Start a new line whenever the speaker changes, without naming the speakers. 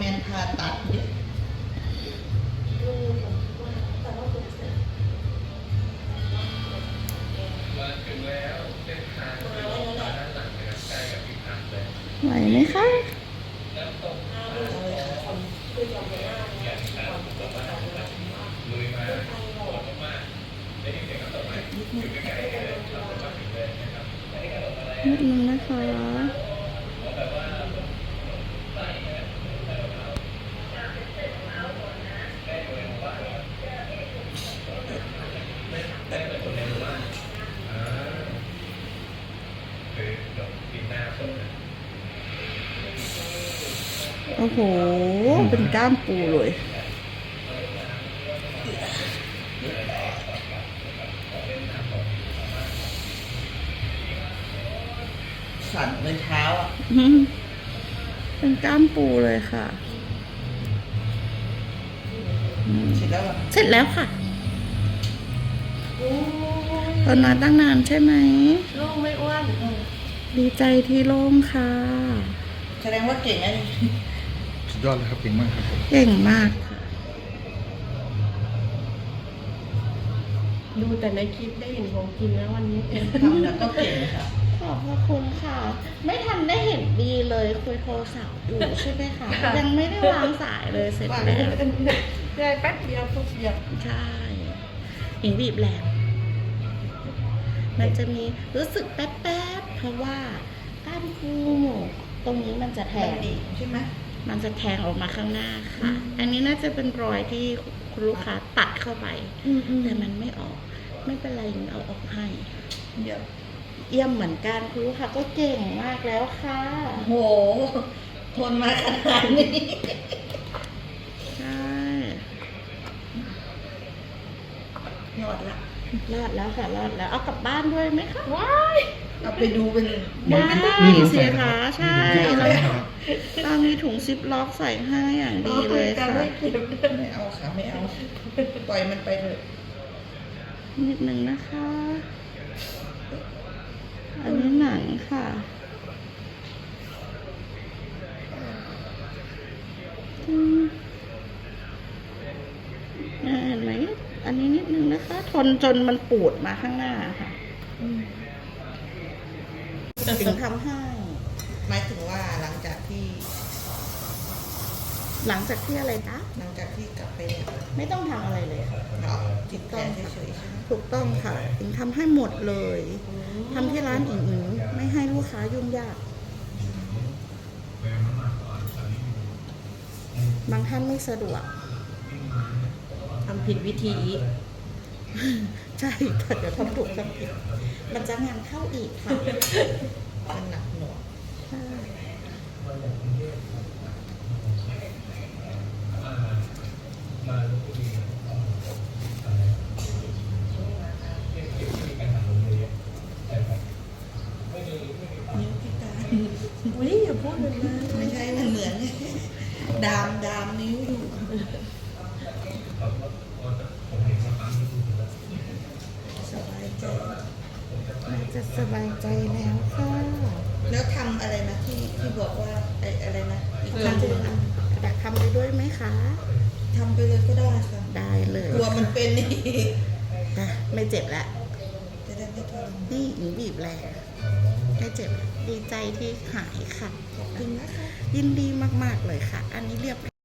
แมนผ่าตัดเนี่ย
มาถึงแล้วเส้นทางด้านหลังนะครับใกล้กับพิพัฒน์เลย
ไหวไหมคะ
น้ำตกลุยมาโหดมากๆได้ยินเสียงน้ำตกไหมอยู่ใกล้ๆเลยเรามาถึงเลยนะครับไม่ได้กระโดดอะไร
นิดนึงนะคะ
แบบว่าได้เหมือนคนในหมู่บ้านคือดอกปีหน้าคนนะ
โอ้โห เป็นก้ามปูเลย
สั่นเลยเท้าอ่ะ
เป็นก้ามปูเลยค่ะ
เสร็จแล้วอ่ะ
เสร็จแล้วค่ะตอนมาตั้งนานใช่ไหม
โล่งไม่อ้วน
ดีใจที่โล่งค่ะ
แสดงว่าเก่งนะนี่
สุดยอดเลยครับเก่งมากครับผม
เก่งมากค่ะ
ดูแต่ในคลิปได้เห็นของกินแล้ววันนี้
ทำเนี่ยก็เก่งค่ะ
ขอบพระคุณค่ะ ไม่ทันได้เห็นดีเลยคุยโทรศัพท์อยู่ใช่ไหมคะ ยังไม่ได้วางสายเลยเสร็จแล้ว
ได้แป๊บเดียวทุกเดียว
ใช่หญิงบีบแหลมมันจะมีรู้สึกแป๊บๆเพราะว่าก้านปูตรงนี้มันจะแท
แทน
ง
ดีใช่ไหม
มันจะแทงออกมาข้างหน้าค่ะ อันนี้น่าจะเป็นรอยที่คุณลูกค้าตัดเข้าไป แต่มันไม่ออก ไม่เป็นไรหญิงเอาออกให้
เดี๋ยว
เยี่ยมเหมือนกันคุณลูกค้าก็เก่งมากแล้วค่ะ
โหทนมาขนาดนี้
ใช่
ยอดละ
รอดแล้วค่ะรอดแล้วเอากลับบ้านด้วยไหมคะ
ว้าย
เอาไปดูเป็น
ได้เสียคะใช่เรามีถุงซิปล็อกใส่ให้อย่างดีเลย
การ
ค่ะ
ไม่เก็บ
ไม่เอาค่ะไม่เอา ปล่อยมันไปเถอะ
นิดนึงนะคะ อันนี้หนังค่ะเห็นไหมอันนี้นิดนึงนะคะ ทนจนมันปูดมาข้างหน้าค่ะถึงทำให้
หมายถึงว่าหลังจากที่
หลังจากที่อะไรนะ
หลังจากที่กลับไปเนี่ย
ไม่ต้องทำอะไรเลยค่ะ
เนาะติดแผลเฉยๆใช่ไหม
ถูกต้องค่ะอิงทำให้หมดเลยทำที่ร้านอิงไม่ให้ลูกค้ายุ่งยาก บางท่านไม่สะดวก
ทำผิดวิธี
ใช่แต่เดี๋ยวทำถูกทำผิดมันจะงานเข้าอีกค่ะ
มันหนักหน่วง
ใช่
นิ้วพิการ
อุ้ยอย่าพูดเลยนะ
ไม่ใช่มันเหมือนดามนิ้วอยู่สบายใจ
มันจะสบายใจแล้วค่ะ
แล้วทำอะไรนะที่บอกว่าอะไรนะอีกค
ท
รั้งหนึ่งอะ
ำอยากทำไปด้วยไหมคะ
ทำไปเลยก็ได้ค่ะ
ได้เลย
กลัวมันเป็นนี่
อ่ะไม่เจ็บแล้ว
จะได้ไม่ทรมาน
นี่หญิงบีบแรงไม่เจ็บแล้วดีใจที่หายค่ะ
ขอบคุณนะคะ
ยินดีมากๆเลยค่ะ อันนี้เรียบ